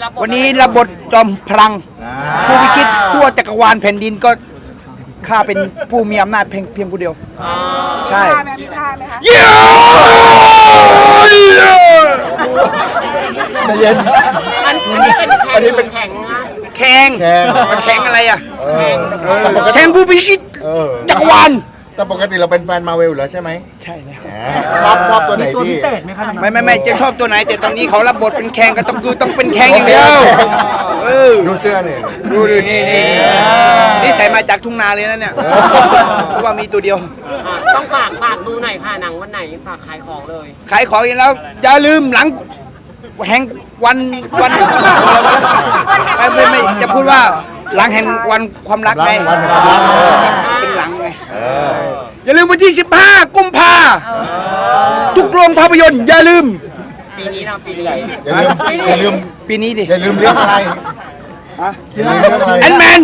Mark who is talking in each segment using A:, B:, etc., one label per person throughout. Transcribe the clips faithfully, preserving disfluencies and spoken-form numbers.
A: วันนี้ระบทจอมพลังผู้พิชิตทั่วจักรวาลแผ่นดินก็ข้าเป็นผู้มีอำนาจเพียงเพียงผู้เดียวใช่
B: มีท่าไหมคะ
A: เย้
C: ใจเย็น
D: อันนี้เป็นอันนี้เป็นแข่งนะ
A: แข่ง
C: แข่ง
A: แข่งอะไรอ่ะ
C: แต่ปกติ
A: แข่งผู้พิชิตจักรวาล
C: แต่ปกติเราเป็นแฟนมาเวลอยู่แล้วใช่ไหม
A: ใช่แล้ว
C: ชอบชอบตัวไหนพี่
A: ไม่ไม่ไม่จะชอบตัวไหนแต่ตอนนี้เขารับบทเป็นแข่งก็ต้องคือต้องเป็นแข่งอย่างเดียว
C: ดูเสื้อเนี่ย
A: ดูดินี่นี่นี่นี่ใส่มาจากทุ่งนาเลยนะเนี่ยเพราะว่ามีตัวเดียว
D: ต้องฝากฝากดูหน่อยค่ะหนังวันไหนฝากขายของเลย
A: ขายของอีกแล้วอย่าลืมหลังแห่งวันวันไม่ไม่ไม่จะพูดว่าหลังแห่งวันความรักไง
C: วันแห่งความรัก
A: เป็นหลังไงอย่าลืมวันที่สิบห้ากุมภาทุกโรงภาพยนตร์อย่าลืม
D: ปีนี้เราปีนี้
C: อย่าลืมอย่าลืม
A: ปีนี้ดิ
C: อย่าลืมเรื่องอะไร
A: ฮะแอนแมน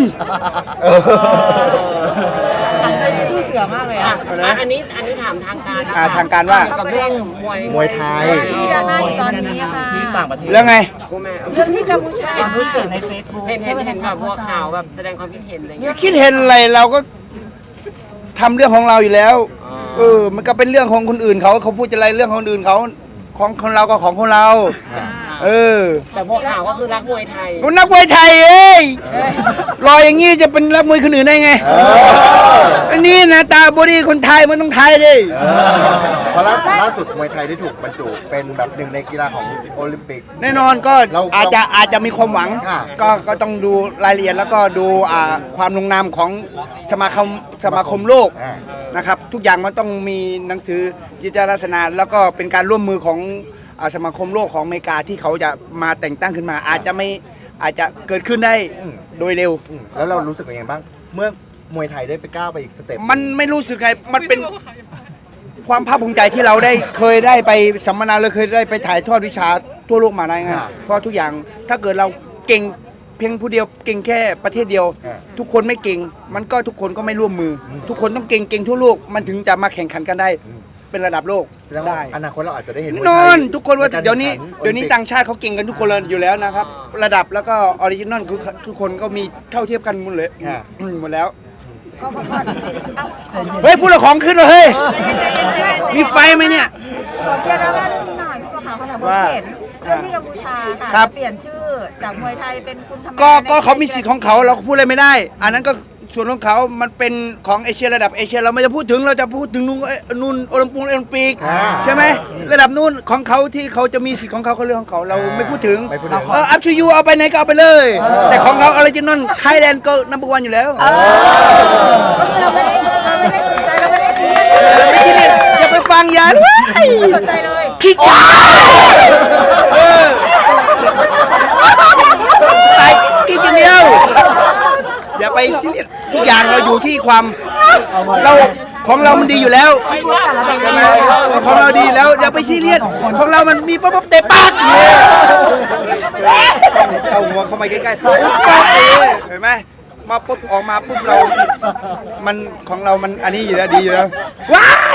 D: เสือมากเลยอ่ะอันนี้อันนี้ถามทางการ
A: อ่าทางการว่า
D: กับเรื่องมวย
C: มวยไทย
B: ที่ดราม่าอยู่ตอนนี้ค่ะ
D: ที่ต่างประเทศ
A: เรื่องไง
B: เรื่องที่กัมพูชา
D: เห็นผู้สื่อในเฟซบุ๊กเห็นเห็นเห็นแบบบัวขาวแบบแสดงความคิดเห็นอะไรเงี้ย
A: คิดเห็นอะไรเราก็ทำเรื่องของเราอยู่แล้วเออมันก็เป็นเรื่องของคนอื่นเขาเขาพูดอะไรเรื่องของคนอื่นเขาของของเราก็ของของเราเออ
D: แต่บัวขาวก็คือรักมวยไทย
A: นักมวยไทยเอ้ยรอยอย่างงี้จะเป็นนักมวยคนอื่นได้ไงอันนี้นะตาบอดี้คนไทยมันต้องไทยดิ
C: เพราะล่าสุดมวยไทยได้ถูกบรรจุเป็นแบบหนึ่งในกีฬาของโอลิมปิก
A: แน่นอนก็อาจจะอาจจะมีความหวังก็ก็ต้องดูรายละเอียดแล้วก็ดูความลงนามของสมาคมสมาคมโลกนะครับทุกอย่างมันต้องมีหนังสือจิตลักษณะแล้วก็เป็นการร่วมมือของสมาคมโลกของอเมริกาที่เขาจะมาแต่งตั้งขึ้นมาอาจจะไม่อาจจะเกิดขึ้นได้โดยเร็ว
C: แล้วเรารู้สึกยังไงบ้างเมื่อมวยไทยได้ไปก้าวไปอีกสเต็ป
A: มันไม่รู้สึกไงมันเป็นความภาคภูมิใจที่เราได้เคยได้ไปสัมมนาเลยเคยได้ไปถ่ายทอดวิชาทั่วโลกมาได้ไงเพราะทุกอย่างถ้าเกิดเราเก่งเพียงผู้เดียวเก่งแค่ประเทศเดียวทุกคนไม่เก่งมันก็ทุกคนก็ไม่ร่วมมือทุกคนต้องเก่งเก่งทั่วโลกมันถึงจะมาแข่งขันกันได้เป็นระดับโลก
C: ได้อนาคตเราอาจจะได้เห็น
A: นอนทุกคนว่าเดี๋ยวนี้เดี๋ยวนี้ต่างชาติเขาเก่งกันทุกคนเลยอยู่แล้วนะครับระดับแล้วก็ออริจินอลคือทุกคนก็มีเท่าเทียบกันหมดเลยหมดแล้วเฮ้ยพูดละของขึ้นเลยเฮ้ยมีไฟไหมเนี่ย
B: เชื่อแล้วว่าหน่อยผู้ข่าวเขาถามว่าเห็นเรื่องที่กัมพูชาค่ะเปลี่ยนชื่อจากมวยไทยเป็นคุณธรรม
A: ก็ก็เขามีสิทธิ์ของเขาเราพูดอะไรไม่ได้อันนั้นก็ส่วนของเขามันเป็นของเอเชียระดับเอเชียเราไม่จะพูดถึงเราจะพูดถึงนู่นนู่นโอลิมปิกโอลิมปิกใช่ไหมระดับนู่นของเขาที่เขาจะมีสิทธิ์ของเขาเขาเรื่องของเขาเราไม่พูดถึงเอออัพชูยูเอาไปไหนก็เอาไปเลยแต่ของเขาออริจินอลไทยแลนด์ก็นัมเบอร์วันอยู่แล้ว
B: เราไม่ได้เราไม่ได้สนใจเราไม่ได้ชี้
A: ไม่ชี้เนี่ยอย่าไปฟังยาเลย
B: สนใจเลย
A: คิดว่าตายกินอย่างเดียวอย่าไปซีเรียสทุกอย่างเราอยู่ที่ความเราของเรามันดีอยู่แล้วของเราดีแล้วอย่าไปซีเรียสของเรามันมีปั๊บเตะปากเอาหัวเข้ามาใกล้ๆเห็นไหมมาปุ๊บออกมาปุ๊บเรามันของเรามันอันนี้อยู่แล้วดีอยู่แล้วว้าย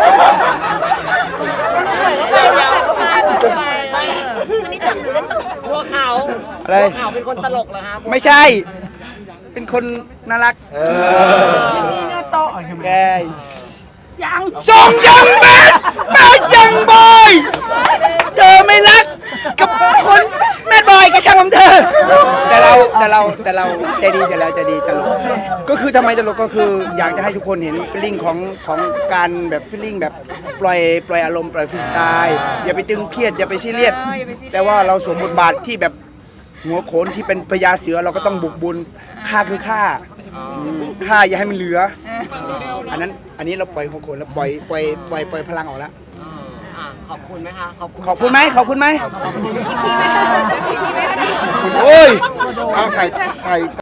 D: บัวขาว
A: อะไร
D: บัวขาวเป็นคนตลกเหรอครับ
A: ไม่ใช่เป็นคนน่ารัก
B: ที่นี่น่าโต
A: แก
B: ยัง
A: ส่งยังแบดแบดยังบอยเธอไม่รักกับคนแม่บอยก็ช่างของเธอแต่เราแต่เราแต่เราใจดีแต่เราใจดีตลกก็คือทำไมตลกก็คืออยากจะให้ทุกคนเห็นฟีลลิ่งของของการแบบฟีลลิ่งแบบปล่อยปล่อยอารมณ์ปล่อยฟรีสไตล์อย่าไปตึงเครียดอย่าไปซีเรียสแต่ว่าเราสวมบทบาทที่แบบหัวโขนที่เป็นพญาเสือเราก็ต้องบุกบุญฆ่าคือฆ่าฆ่าอย่าให้มันเหลืออันนั้นอันนี้เราปล่อยหัวโขนแล้วปล่อยปล่อยปล่อยปล่อยพลังออกแล้ว
D: ขอบคุณไหมคะขอบคุณ
A: ขอบคุณไหมขอบคุณไหมโอ้ย
C: เอาไข่ไข่